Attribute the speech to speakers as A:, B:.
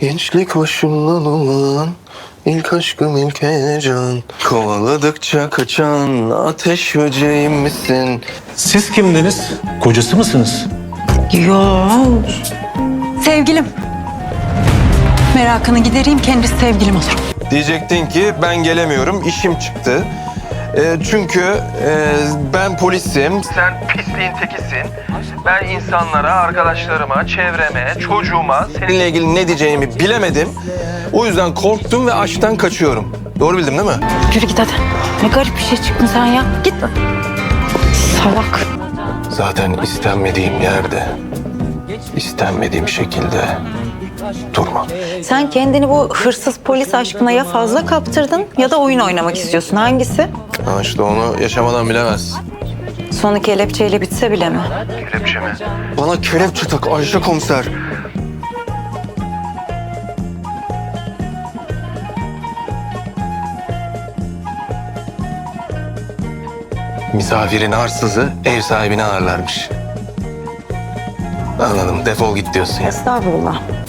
A: Gençlik başımdan olan ilk aşkım ilk heyecan. Kovaladıkça kaçan ateş böceğim misin?
B: Siz kimdiniz? Kocası mısınız?
C: Yo. Sevgilim. Merakını gidereyim, kendisi sevgilim olur.
A: Diyecektin ki ben gelemiyorum, işim çıktı. Çünkü ben polisim, sen pisliğin tekisin. Ben insanlara, arkadaşlarıma, çevreme, çocuğuma seninle ilgili ne diyeceğimi bilemedim. O yüzden korktum ve aşktan kaçıyorum. Doğru bildim değil mi?
C: Yürü git hadi. Ne garip bir şey çıktın sen ya. Git. Salak.
A: Zaten istenmediğim yerde, istenmediğim şekilde durma.
C: Sen kendini bu hırsız polis aşkına ya fazla kaptırdın ya da oyun oynamak istiyorsun. Hangisi?
A: Ha işte onu yaşamadan bilemez.
C: Sonu kelepçeyle bitse bile mi?
A: Kelepçe mi? Bana kelepçe tak Ayşe komiser. Misafirin arsızı ev sahibini ağırlarmış. Anladım. Defol git diyorsun ya.
C: Estağfurullah.